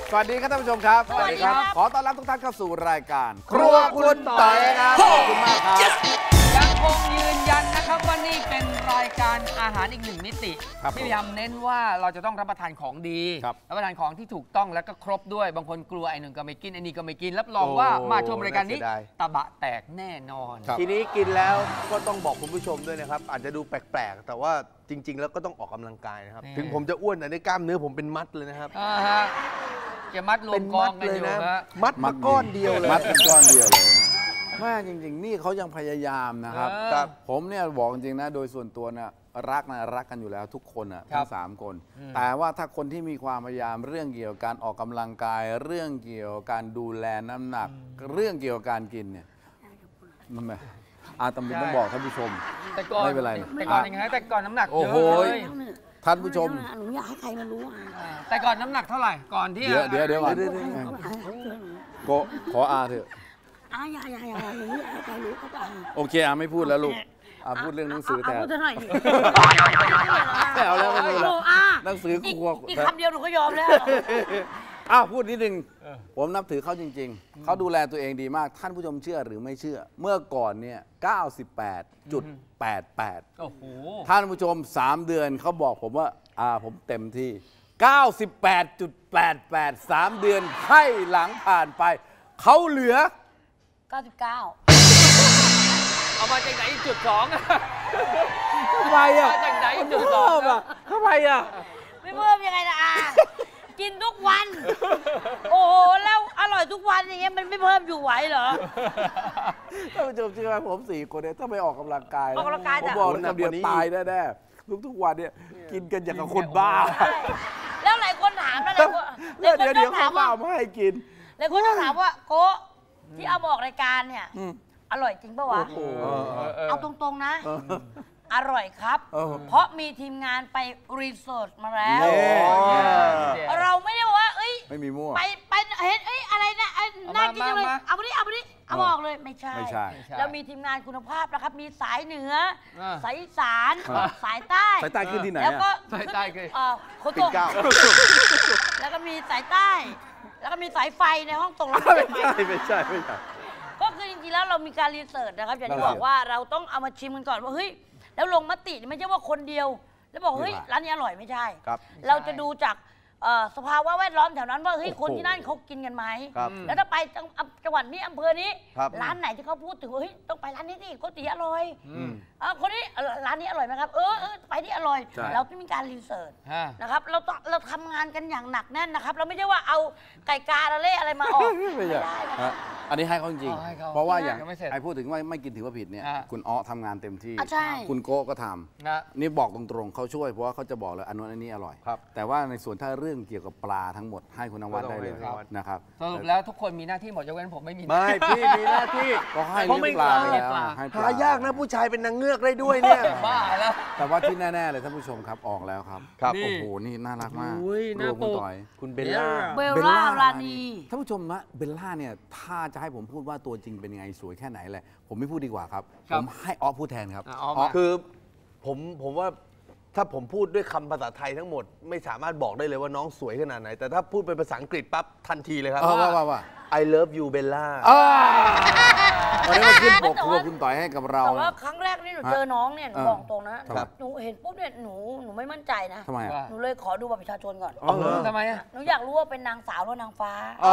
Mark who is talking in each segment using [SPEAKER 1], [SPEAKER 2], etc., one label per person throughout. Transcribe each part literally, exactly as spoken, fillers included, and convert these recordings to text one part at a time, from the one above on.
[SPEAKER 1] สวัสดีครับท่านผู้ชมครับ
[SPEAKER 2] สวัสดีครับ
[SPEAKER 1] ขอต้อนรับทุกท่านเข้าสู่รายการครัวคุณต่อยครับขอบคุณมากครับ
[SPEAKER 2] ยังคงยืนยันนะครับว่านี่เป็นรายการอาหารอีกหนึ่งมิติที่พยายามเน้นว่าเราจะต้องรับประทานของดีรับประทานของที่ถูกต้องและก็ครบด้วยบางคนกลัวไอ้หนึ่งก็ไม่กินไอ้นี่ก็ไม่กินรับรองว่ามาชมรายการนี้ตะบะแตกแน่นอน
[SPEAKER 3] ทีนี้กินแล้วก็ต้องบอกคุณผู้ชมด้วยนะครับอาจจะดูแปลกๆแต่ว่าจริงๆแล้วก็ต้องออกกำลังกายนะครับถึงผมจะอ้วนแต่ในกล้ามเนื้อผมเป็นมัดเลยนะครับ
[SPEAKER 2] จะมัดรวมกองกันอยู่นะ
[SPEAKER 3] มัดมาก้อนเดียวเลย
[SPEAKER 1] มัดเป็นก้อนเดียวเลยแม่จริงๆนี่เขายังพยายามนะครับผมเนี่ยบอกจริงๆนะโดยส่วนตัวเนี่ยรักนะรักกันอยู่แล้วทุกคนอ่ะทั้งสามคนแต่ว่าถ้าคนที่มีความพยายามเรื่องเกี่ยวกับการออกกำลังกายเรื่องเกี่ยวกับการดูแลน้ำหนักเรื่องเกี่ยวกับการกินเนี่ยมันแบบอาตมาต้องบอกท่านผู้ชมไม่เป็นไร
[SPEAKER 2] แต่ก่อนยังไงแต่ก่อนน้ำหนักเยอะเลย
[SPEAKER 1] ท่านผู้ชม
[SPEAKER 4] หนูอยากให้ใครมารู้อ่ะ
[SPEAKER 2] แต่ก่อนน้ำหนักเท่าไหร่ก่อนที่
[SPEAKER 1] เดี๋ยวเดี๋ยวเดี๋ยวก่อนโกขออาเถอะ
[SPEAKER 4] อาอย่าอย่าอย่าหนูอยากให้ใครรู้ก็ได้
[SPEAKER 1] โอเคอาไม่พูดแล้วลูกอาพูดเรื่องหนังสือแทน
[SPEAKER 4] พูดหน่อย
[SPEAKER 1] ไม่เอาแล้วไม่พูดแล้วหนังสือครัว
[SPEAKER 4] อีกคำเดียวหนูก็ยอมแล้ว
[SPEAKER 1] อ้าวพูดนิดนึงผมนับถือเขาจริงๆเขาดูแลตัวเองดีมากท่านผู้ชมเชื่อหรือไม่เชื่อเมื่อก่อนเนี่ย เก้าสิบแปดจุดแปดแปด
[SPEAKER 2] โอ้โห
[SPEAKER 1] ท่านผู้ชมสามเดือนเขาบอกผมว่าอ่าผมเต็มที่ เก้าสิบแปดจุดแปดแปด สามเดือนให้หลังผ่านไปเขาเหลือ
[SPEAKER 4] เก้าสิบเก้า
[SPEAKER 2] เอามาจากไหนจุดสอง
[SPEAKER 1] ทำไมอ่ะ
[SPEAKER 2] มาจากไหนจุดสองอ่ะ
[SPEAKER 1] ทำไมอ่ะ
[SPEAKER 4] ไม่เพิ่มยังไงล่ะอากินทุกวันโอ้โหแล้วอร่อยทุกวันอย่างเงี้ยมันไม่เพิ่มอยู่ไหวเหรอ
[SPEAKER 1] ท่านผู้ชมเชื่อไหมผมสี่คนเนี่ยถ้าไม่ออกกำลังกาย
[SPEAKER 4] ออกกำลังกาย
[SPEAKER 1] ผมบอกเลยคำเดียวตายแน่ๆทุกๆวันเนี่ยกินกันอย่างกับคนบ้า
[SPEAKER 4] แล้วหลายคนถามแล้ว
[SPEAKER 1] เดี๋ยวเดี๋ยวเขาเอามาให้กิน
[SPEAKER 4] หลายคนต้องถามว่าโก้ที่เอามาออกรายการเนี่ยอร่อยจริงป่ะวะเอาตรงๆนะอร่อยครับเพราะมีทีมงานไปรีเสิร์ชมาแล้วเราไม่ได้ว่าเอ้ย
[SPEAKER 1] ไม่มีมั่ว
[SPEAKER 4] ไปไปเห็นเอ้ยอะไรนะน่ากินจังเลยเอาไปดิเอาไปดิเอาบอกเลยไม่ใช่เรามีทีมงานคุณภาพนะครับมีสายเหนือสายอีสานสายใต้
[SPEAKER 1] สายใต้ขึ้นที่ไหน
[SPEAKER 4] แล้วก็
[SPEAKER 2] สายใต้คือ
[SPEAKER 4] โคตรแล้วก็มีสายใต้แล้วก็มีสายไฟในห้องตรงแล้ว
[SPEAKER 1] ไม่ใช่ไม่ใช่ไม่ใช่
[SPEAKER 4] ก็คือจริงๆแล้วเรามีการรีเสิร์ชนะครับอย่างที่บอกว่าเราต้องเอามาชิมกันก่อนว่าเฮ้ยแล้วลงมติไม่ใช่ว่าคนเดียวแล้วบอกเฮ้ยร้านนี้อร่อยไม่ใช่เราจะดูจากสภาวะแวดล้อมแถวนั้นว่าเฮ้ยคนที่นั่นเขากินกันไหมแล้วถ้าไปจังหวัดนี้อำเภอนี้ร้านไหนที่เขาพูดถึงเฮ้ยต้องไปร้านนี้สิก๋วยเตี๋ยวอร่อยคนนี้ร้านนี้อร่อยไหมครับเออไปที่อร่อยเราต้องมีการรีเสิร์ชนะครับเราต้องเราทำงานกันอย่างหนักแน่นนะครับเราไม่ใช่ว่าเอาไก่กาละเล่อะไรมาออกไม่ได้
[SPEAKER 1] อันนี้ให้เขาจริงเพราะว่าอย่างไอ้พูดถึงว่าไม่กินถือว่าผิดเนี่ยคุณอ้อทำงานเต็มที่คุณโก้ก็ทำนี่บอกตรงๆเขาช่วยเพราะว่าเขาจะบอกเลยอันนู้นอันนี้อร่อยแต่ว่าในส่วนถ้าเรื่องเกี่ยวกับปลาทั้งหมดให้คุณนวัดได้เลยนะครับ
[SPEAKER 2] สรุปแล้วทุกคนมีหน้าที่หมดยกเว้นผมไม่มี
[SPEAKER 3] ไม่พี่มีหน้าที่
[SPEAKER 1] ก็ให้เลี้ยงปลาแล้ว
[SPEAKER 3] หายากนะผู้ชายเป็นนางเงือกได้ด้วยเนี่ย
[SPEAKER 2] บ้าแล้ว
[SPEAKER 1] แต่ว่าที่แน่ๆเลยท่านผู้ชมครับออกแล้วครับครับโอ้โหนี่น่ารักมากรวมคุณต่อย
[SPEAKER 3] คุณเบลล่า
[SPEAKER 4] เบลล่ารานี
[SPEAKER 1] ท่านผู้ชมนะเบลล่าเนี่ยถ้าจะให้ผมพูดว่าตัวจริงเป็นยังไงสวยแค่ไหนเลยผมไม่พูดดีกว่าครับผมให้ออฟพูดแทนครับ
[SPEAKER 3] คือผมผมว่าถ้าผมพูดด้วยคำภาษาไทยทั้งหมดไม่สามารถบอกได้เลยว่าน้องสวยขนาดไหนแต่ถ้าพูดเป็นภาษาอังกฤษปั๊บทันทีเลยครับ
[SPEAKER 1] ว่าว่าว่า
[SPEAKER 3] I love you Bella
[SPEAKER 1] วันนี้มาขึ้นปกครัวคุณต่อยให้กับเรา
[SPEAKER 4] แต่ว่าครั้งแรกนี่หนูเจอน้องเนี่ยหนูบอกตรงนะหนูเห็นปุ๊บเนี่ยหนูหนูไม่มั่นใจนะ
[SPEAKER 1] ทำไม
[SPEAKER 4] หนูเลยขอดูบัตรประชาชนก่อน
[SPEAKER 2] ทำไมอ่ะ
[SPEAKER 4] หนูอยากรู้ว่าเป็นนางสาวหรือนางฟ้า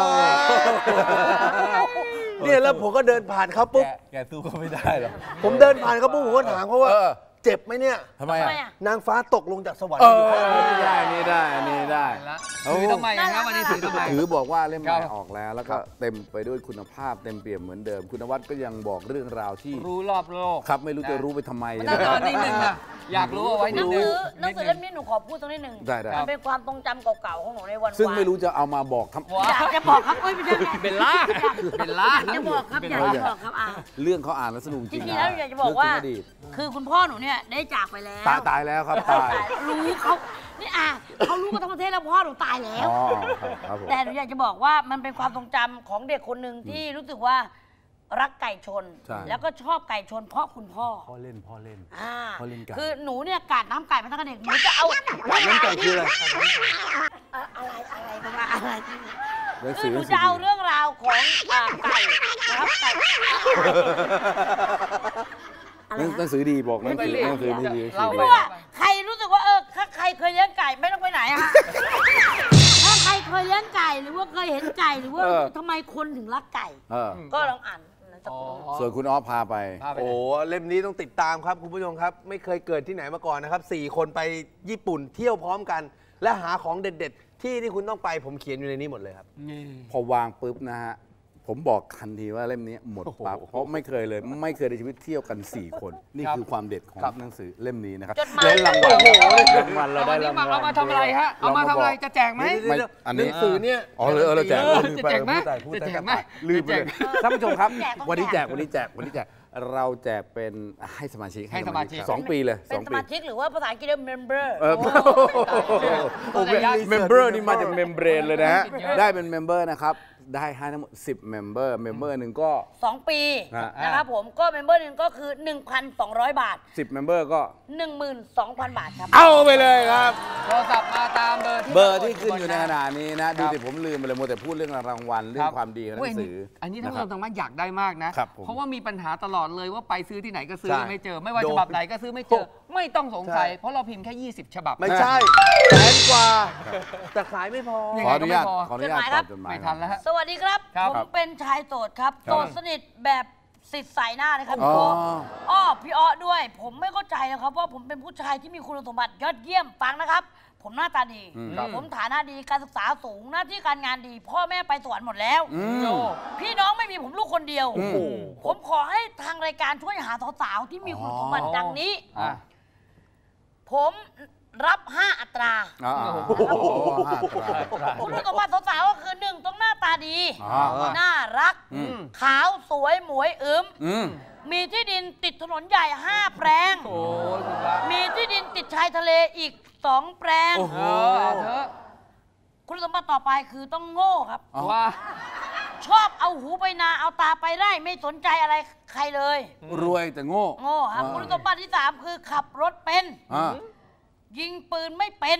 [SPEAKER 3] เนี่ยแล้วผมก็เดินผ่านเขาปุ๊บ
[SPEAKER 1] แกสู้ก็ไม่ได้หรอก
[SPEAKER 3] ผมเดินผ่านเขาปุ๊บผมก็ถามเขาว่าเจ็บไหมเนี่ย
[SPEAKER 1] ทำไมอ่ะ
[SPEAKER 3] นางฟ้าตกลงจากสวรรค์
[SPEAKER 1] นี่ได้นี่ได้นี่ได้
[SPEAKER 2] ถือทำไมนะวันนี้ถือทำไม
[SPEAKER 1] ถือบอกว่าเล่มใหม่ออกแล้วแล้วก็เต็มไปด้วยคุณภาพเต็มเปี่ยมเหมือนเดิมคุณนวัดก็ยังบอกเรื่องราวที่
[SPEAKER 2] รู้รอบโลก
[SPEAKER 1] ครับไม่รู้จะรู้ไปทำไม
[SPEAKER 2] นะตอนนิดนึงนะอยากรู้เอาไว้นิดนึง
[SPEAKER 4] หนังสือเล่มนี้หนูขอพูดตรงนิดนึงมันเป็นความทรงจำเก่าๆของหนูในวัน
[SPEAKER 1] ซึ่งไม่รู้จะเอามาบอกทำ
[SPEAKER 4] อยากจะบอกครับเอ้ยไม่ใช่
[SPEAKER 2] เบลล่าเบลล่า
[SPEAKER 4] จะบอกครับอยากจะบอกครับอ่ะ
[SPEAKER 1] เรื่องเขาอ่านแล้วสนุกจริง
[SPEAKER 4] จริงๆแล้วอยากจะบอกว่าคือคุณพ่อหนูเนี่ยได้จากไปแล้ว
[SPEAKER 1] ตายตายแล้วครับตาย
[SPEAKER 4] รู้เขานี่อ่ะเขารู้กันทั้งประเทศแล้วพ่อหนูตายแล้วแต่หนูอยากจะบอกว่ามันเป็นความทรงจำของเด็กคนหนึ่งที่รู้สึกว่ารักไก่ชนแล้วก็ชอบไก่ชนเพราะคุณพ่อ
[SPEAKER 1] พ่อเล่นพ่อเล่น
[SPEAKER 4] พ่อเล่นไก่คือหนูเนี่ยกาดน้ำไก่มาตั้งแต่เด็กหนูจะเอา
[SPEAKER 3] กาดน้ำไก่คืออะไร
[SPEAKER 4] อะไรอะไรประมาณอะไรคือหนูจะเอาเรื่องราวของอ่าไก่นะครับไก่
[SPEAKER 1] หนังสือดีบอกหนังสือหนังสือดี
[SPEAKER 4] เพราะว่าใครรู้สึกว่าเออถ้าใครเคยเลี้ยงไก่ไม่ต้องไปไหนอะฮะถ้าใครเคยเลี้ยงไก่หรือว่าเคยเห็นไก่หรือว่าทำไมคนถึงรักไก่ก็ลองอ่าน
[SPEAKER 1] ส่วนคุณอ๊อฟพาไป
[SPEAKER 3] โอ้เล่มนี้ต้องติดตามครับคุณผู้ชมครับไม่เคยเกิดที่ไหนมาก่อนนะครับสี่คนไปญี่ปุ่นเที่ยวพร้อมกันและหาของเด็ดๆที่ที่คุณต้องไปผมเขียนอยู่ในนี้หมดเลยครับ
[SPEAKER 1] พอวางปุ๊บนะฮะผมบอกทันทีว่าเล่มนี้หมดปั๊บเพราะไม่เคยเลยไม่เคยในชีวิตเที่ยวกันสี่คนนี่คือความเด็ดของหนังสือเล่มนี้นะครับ
[SPEAKER 4] เล่น
[SPEAKER 1] รางวัลรางวัลเราได้รางวัล
[SPEAKER 2] เอามาทำอะไรฮะเอามาทำอะไรจะแจกไหม
[SPEAKER 1] อันนี้
[SPEAKER 3] หนังสือเนี่ย
[SPEAKER 1] อ๋อเลยเราแจก
[SPEAKER 2] จะแจกไหมจะแจกไหม
[SPEAKER 1] ลืมไปเลยท่านผู้ชมครับวันนี้แจกวันนี้แจกวันนี้แจกเราแจกเป็นให้สมาชิก
[SPEAKER 2] ให้สมาชิก
[SPEAKER 1] สองปีเลย
[SPEAKER 4] เป็นสมาชิกหรือว่าภาษาอังกฤษเรียก member
[SPEAKER 1] เออ member นี่มาจาก membrane เลยนะฮะได้เป็น member นะครับได้ให้ทั้งหมดสิบ member member หนึ่งก็
[SPEAKER 4] สองปีนะครับผมก็ member หนึ่งก็คือ หนึ่งพันสองร้อย บาท
[SPEAKER 1] สิบ member ก็
[SPEAKER 4] หนึ่งหมื่นสองพัน บาทครับ
[SPEAKER 1] เอาไปเลยครับ
[SPEAKER 2] โทรศัพท์มาตามเบอร์ที่
[SPEAKER 1] เบอร์ที่ขึ้นอยู่ในขณะนี้นะดูสิผมลืมไปเลยมัวแต่พูดเรื่องรางวัลเรื่องความดีของหนังสือ
[SPEAKER 2] อันนี้ท่านผู้ชมทางบ้านอยากได้มากนะเพราะว่ามีปัญหาตลอดเลยว่าไปซื้อที่ไหนก็ซื้อไม่เจอไม่ว่าฉบับไหนก็ซื้อไม่เจอไม่ต้องสงสัยเพราะเราพิมพ์แค่ยี่สิบฉบับ
[SPEAKER 3] ไม่ใช่แสนกว่าแต่ขายไม่พอ
[SPEAKER 1] ขออนุญาตขออนุญาตตอบจดหมาย
[SPEAKER 2] ไม่ทันแล้วฮะ
[SPEAKER 4] สวัสดีครับผมเป็นชายโสดครับโสดสนิทแบบสิทธิ์ใส่หน้าเลยครับพี่อ้ออ้อพี่อ้อด้วยผมไม่เข้าใจนะครับว่าผมเป็นผู้ชายที่มีคุณสมบัติยอดเยี่ยมฟังนะครับผมหน้าตาดีผมฐานะดีการศึกษาสูงหน้าที่การงานดีพ่อแม่ไปสวรรค์หมดแล้วพี่น้องไม่มีผมลูกคนเดียวผมขอให้ทางรายการช่วยหาสาวๆที่มีคุณสมบัติดังนี้ผมรับห้าอัตราคุณรู้ตัวว่าสาวๆก็คือหนึ่งต้องหน้าตาดีน่ารักขาวสวยหมวยอึมมีที่ดินติดถนนใหญ่ห้าแปลงมีที่ดินติดชายทะเลอีกสองแปลงคุณสมบัติต่อไปคือต้องโง่ครับว่าชอบเอาหูไปนาเอาตาไปไร่ไม่สนใจอะไรใครเลย
[SPEAKER 1] รวยแต่โง่
[SPEAKER 4] โง่ครับคุณสมบัติที่สามคือขับรถเป็นยิงปืนไม่เป็น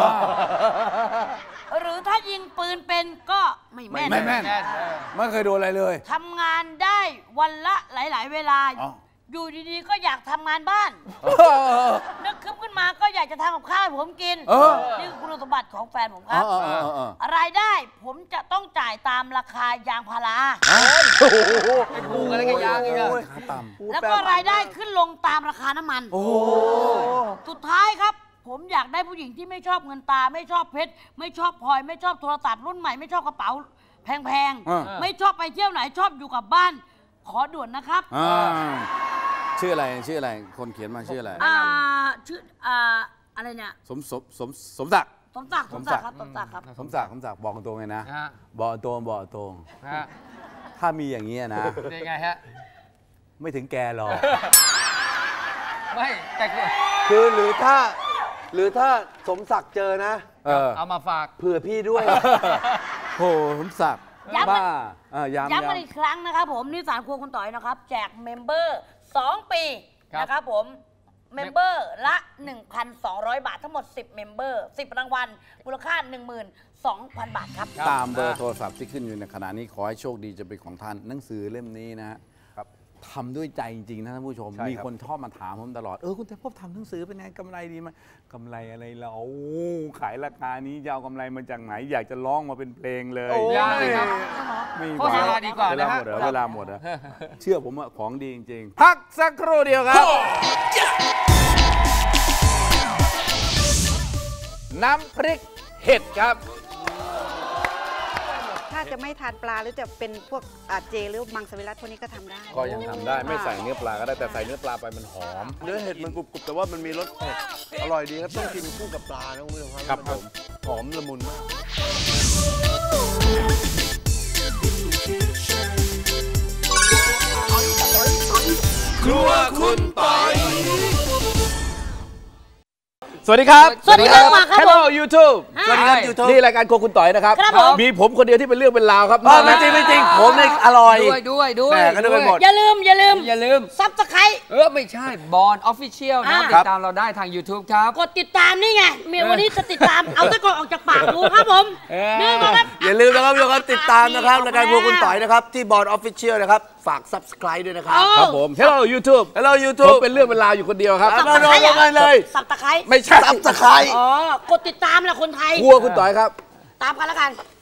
[SPEAKER 4] หรือถ้ายิงปืนเป็นก็ไม่แม่น
[SPEAKER 1] ไม่แม่นไม่เคยโดนอะไรเลย
[SPEAKER 4] ทำงานได้วันละหลายๆเวลาอยู่ดีๆก็อยากทำงานบ้านนึกขึ้นมาก็อยากจะทำกับข้าวให้ผมกินนี่คือคุณสมบัติของแฟนผมครับรายได้ผมจะต้องจ่ายตามราคายางพารา
[SPEAKER 2] เป็นปลูกอะไรกันยางอีก
[SPEAKER 4] แล้วก็รายได้ขึ้นลงตามราคาน้ำมันสุดท้ายครับผมอยากได้ผู้หญิงที่ไม่ชอบเงินตาไม่ชอบเพชรไม่ชอบพลอยไม่ชอบโทรศัพท์รุ่นใหม่ไม่ชอบกระเป๋าแพงๆไม่ชอบไปเที่ยวไหนชอบอยู่กับบ้านขอด่วนนะครับ
[SPEAKER 1] ชื่ออะไรชื่ออะไรคนเขียนมาชื่ออะไร
[SPEAKER 4] อ่าชื่ออ่าอะไรเนี่ย
[SPEAKER 1] สมสมสมสมศักดิ์
[SPEAKER 4] สมศักดิ์สมศักดิ์ครับสมศักดิ์ครับ
[SPEAKER 1] สมศักดิ์สมศักดิ์บอกตรงเลยนะบอกตรงบอกตรงถ้ามีอย่างนี้นะ
[SPEAKER 2] เป็นไงฮะ
[SPEAKER 1] ไม่ถึงแกหรอก
[SPEAKER 2] ไม่แต่
[SPEAKER 3] คือหรือถ้าหรือถ้าสมศักดิ์เจอนะ
[SPEAKER 2] เอามาฝาก
[SPEAKER 3] เผื่อพี่ด้วย
[SPEAKER 1] โหสมศักดิ์
[SPEAKER 4] ย้ำมาย้ำมาอีกครั้งนะครับผมนิสานครัวคุณต่อยนะครับแจกเมมเบอร์สองปีนะครับผมเมมเบอร์ละ หนึ่งพันสองร้อย บาททั้งหมดสิบเมมเบอร์สิบรางวัลมูลค่า หนึ่งหมื่นสองพัน บาทครับ
[SPEAKER 1] ตามเบอร์โทรศัพท์ที่ขึ้นอยู่ในขณะนี้ขอให้โชคดีจะเป็นของท่านหนังสือเล่มนี้นะทำด้วยใจจริงๆนะท่านผู้ชมมีคนชอบมาถามผมตลอดเออคุณแต่พบทำหนังสือเป็นไงกำไรดีไหมกำไรอะไรเราขายราคานี้จะเอากำไรมาจากไหนอยากจะร้องมาเป็นเพลงเลย
[SPEAKER 2] ไม่ครับโฆษณาดีกว่านะฮะ
[SPEAKER 1] เวลาหมดอะเชื่อผมว่าของดีจริงๆพักสักครู่เดียวครับน้ำพริกเห็ดครับ
[SPEAKER 5] ถ้าจะไม่ทานปลาหรือจะเป็นพวกเจหรือมังสวิรัติพวกนี้ก็ทำได้
[SPEAKER 1] ก็ยังทำได้ไม่ใส่เนื้อปลาก็ได้แต่ใส่เนื้อปลาไปมันหอม
[SPEAKER 3] เนื้อเห็ดมันกรุบๆแต่ว่ามันมีรสเผ็ดอร่อยดีครับต้องกินคู่กับปลานะคุณผู้ชม
[SPEAKER 1] ครับผม
[SPEAKER 3] หอมละมุนมาก
[SPEAKER 1] ครัวคุณปอยสวัสดีครับ
[SPEAKER 4] สวัสดีครับ
[SPEAKER 1] Hello YouTube สวัสดีครับ YouTube นี่รายการโครัวคุณต่อยนะครับมีผมคนเดียวที่เป็นเรื่องเป็นราวครับ
[SPEAKER 3] ไม่จริงไม่จริงผมนี่อร่อย
[SPEAKER 2] ด้วยด้วยด้วย
[SPEAKER 4] อย่าลืมอย่าลืม
[SPEAKER 2] อย่าลืม
[SPEAKER 4] ซับสไครต์
[SPEAKER 2] เออไม่ใช่บอลออฟฟิเชียลนะติดตามเราได้ทาง YouTube ครับ
[SPEAKER 4] กดติดตามนี่ไงเมียวันนี้จะติดตามเอาตะกอนออกจากปากดูครับผมนี่นะครับ
[SPEAKER 3] อย่าลืมนะครับทุกคนติดตามนะครับรายการพวกคุณต่อยนะครับที่บอร์ดออฟฟิเชียลนะครับฝาก Subscribe ด้วยนะครับ
[SPEAKER 1] ครับผม Hello YouTube
[SPEAKER 3] Hello
[SPEAKER 1] ผม
[SPEAKER 3] YouTube
[SPEAKER 1] เป็นเรื่องเป็นราวอยู่คนเดียวครับ
[SPEAKER 3] มาลงกันเลย
[SPEAKER 4] สับตะไคร้
[SPEAKER 1] ไม่ใช่
[SPEAKER 3] Subscribe
[SPEAKER 4] อ๋อกดติดตามแหละคนไทย
[SPEAKER 1] กลัวคุณต่อยครับ
[SPEAKER 4] ตามกันแล้วกัน